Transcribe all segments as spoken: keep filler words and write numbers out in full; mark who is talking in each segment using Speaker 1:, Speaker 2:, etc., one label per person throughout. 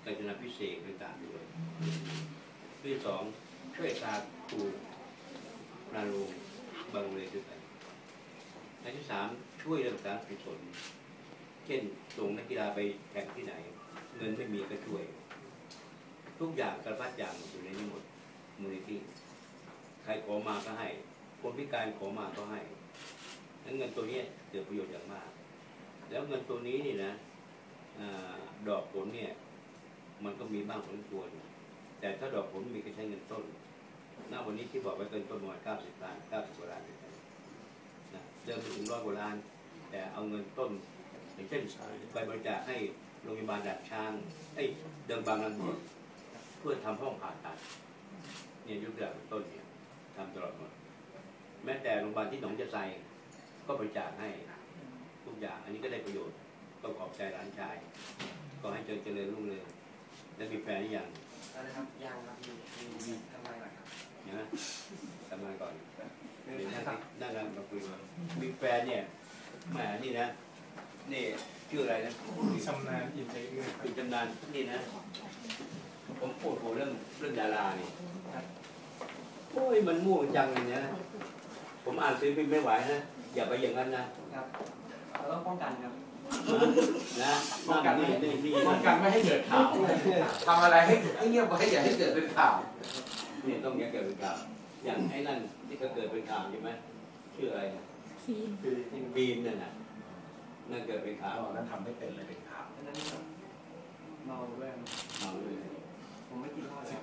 Speaker 1: กาญจนาพิเศษต่างๆด้วยที่สองช่วยตาครูนารูบางเลยด้วยกันอันที่สามช่วยเรื่องการกุศลเช่นส่งนักกีฬาไปแข่งที่ไหนเงินไม่มีก็ช่วยทุกอย่างกระพัดอย่างอยู่ในนี้หมดมูลนิธิใครขอมาก็ให้คนพิการขอมาก็ให้เงินตัวนี้เกิดประโยชน์อย่างมากแล้วเงินตัวนี้นี่นะดอกผลเนี่ยมันก็มีบ้างผลควรแต่ถ้าดอกผลมีก็ใช้เงินต้นณวันนี้ที่บอกไว้เกินต้นประมาณเก้าสิบล้านเก้าสิบกว่าล้านนะเดิมไปถึงร้อยกว่าล้านแต่เอาเงินต้นอย่างเช่นไปบริจาคให้โรงพยาบาลดัดช้างไอ้เดิมบางลำบากเพื่อทำห้องผ่าตัดเนี่ยยุคเดือนต้นเนี่ยทำตลอดหมดแม้แต่โรงพยาบาลที่หนองจะไซก็บริจาคให้ทุกอย่างอันนี้ก็ได้ประโยชน์ต้องขอบใจหลานชายก็ให้เจริญรุ่งเรืองแล้วมีแฟนหรือยัง
Speaker 2: นะครับยังครับมีมีทำไมล่ะครับ
Speaker 1: นะทำไมก่อนเดี๋ยวนั่งนั่งกันมาคุยกันมีแฟนเนี่ยแหมนี่นะนี่ชื่ออะไรนะ
Speaker 3: ชำนาญอินใจเอื้อ
Speaker 1: คุณชำนาญนี่นะผมพูดเรื่องเรื่องดารานี่โอ้ยมันม่วงจังเลยนะผมอ่านซื้อพิมพ์ไม่ไหวนะอย่าไปอย่างนั้นนะครับ
Speaker 2: เราต้องป้องกันครับ
Speaker 1: นะป้องกันไม่ให้
Speaker 3: ป้องกันไม่ให้เกิดข่าวทำอะไรให้ให้เงียบไว้อย่าให้เกิดเป็นข่าว
Speaker 1: นี่ต้องอย่าเกิดเป็นข่าวอย่างไอ้นั่นที่เขาเกิดเป็นข่าวใช่ไหมชื่ออะไร
Speaker 4: ฟีน
Speaker 1: ฟีนนั่นน่ะนั่นเกิดเป็นข่าว
Speaker 3: นั่นทำไม่เป็นเลยเป็นข่าว
Speaker 2: นั่นเมาด้วย
Speaker 1: เมาด้วย
Speaker 2: ผมไม่กินเหล้าแล้ว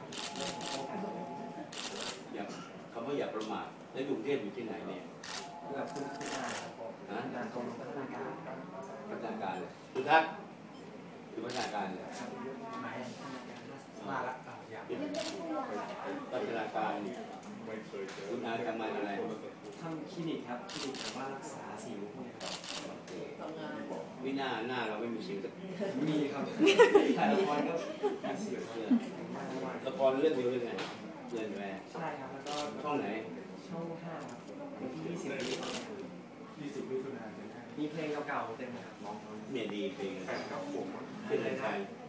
Speaker 1: อย่าคำว่าอย่าประมาทแล้วอยู่กรุงเทพอยู่ที่ไหนเนี่ย
Speaker 2: แบบคุณคุณอาฮะงานตรงพัฒนาการ
Speaker 1: พัฒนาการเลยทุกท่านอยู่พัฒนาการเลย
Speaker 2: มาละ
Speaker 1: พัฒนาการคุณอาทำงานอะไร
Speaker 2: ทำคลินิกครับคลินิกแบบว่ารักษาสิวพวกนี้ครับ
Speaker 1: วิหน้าหน้าเราไม่มีสิว
Speaker 2: มีครับถ่ายละครก็มีสิวเลย
Speaker 1: ละครเรื่องเดียวเลยไงเรื่องแรก
Speaker 2: ใช่ครับแล้วก็
Speaker 1: ช่องไหน
Speaker 2: ช่องห้าครับวันที่ยี่สิบ
Speaker 3: ยี่สิบมิถุนายน
Speaker 2: มีเพลงเก่าๆเต็มเลยครับร้อง
Speaker 1: เนี่ยดีเพลง
Speaker 3: แฟนก็ผม
Speaker 1: เป็นอะไรไทย